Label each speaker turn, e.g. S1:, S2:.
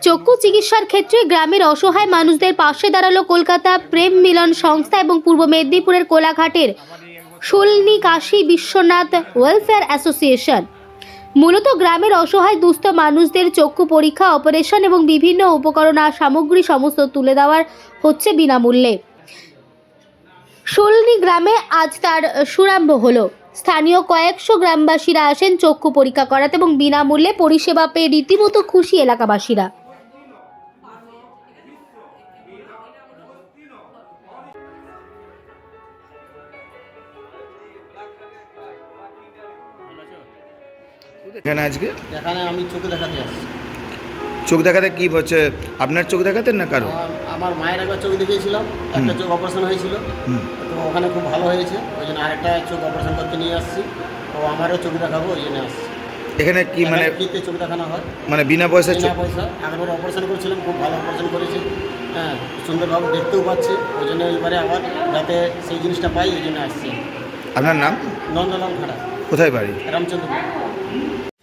S1: চক্ষু চিকিৎসার ক্ষেত্রে গ্রামের অসহায় মানুষদের পাশে দাঁড়ালো কলকাতা প্রেম মিলন সংস্থা এবং পূর্ব মেদিনীপুরের কোলাঘাটের শূলনি কাশী বিশ্বনাথ ওয়েলফেয়ার অ্যাসোসিয়েশন। মূলত গ্রামের অসহায় দুস্থ মানুষদের চক্ষু পরীক্ষা, অপারেশন এবং বিভিন্ন উপকরণ আর সামগ্রী সমস্ত তুলে দেওয়ার হচ্ছে বিনামূল্যে। শূলনি গ্রামে আজ তার শুভারম্ভ হলো। স্থানীয় কয়েকশো গ্রামবাসীরা আসেন চক্ষু পরীক্ষা করাতে এবং বিনামূল্যে পরিষেবা পেয়ে রীতিমতো খুশি এলাকাবাসীরা।
S2: এখানে আজকে
S3: এখানে আমি চোখ দেখাতে আসছি।
S2: চোখ দেখাতে কি হচ্ছে? আপনার চোখ দেখাতেন না কারো?
S3: আমার মায়ের একবার চোখ দেখিয়েছিলাম, একটা চোখ অপারেশন হয়েছিল, তো ওখানে খুব ভালো হয়েছে, ওই জন্য আরেকটা চোখ অপারেশন করতে নিয়ে আসছি। তো আমারও চোখ দেখাবো, ওই জন্য আসছি।
S2: এখানে কি মানে
S3: ফ্রিতে চোখ দেখানো হয়,
S2: মানে বিনা পয়সায় চোখ?
S3: বিনা পয়সা। একবার অপারেশন করেছিলাম, খুব ভালো অপারেশন করেছি, হ্যাঁ, সুন্দরভাবে দেখতেও পাচ্ছে। ওই জন্য এবারে আবার যাতে সেই জিনিসটা পাই, ওই জন্য আসছি।
S2: আপনার নাম?
S3: নন্দলাল খাড়া,
S2: কোথায় বাড়ি?
S3: রামচন্দ্রপুর।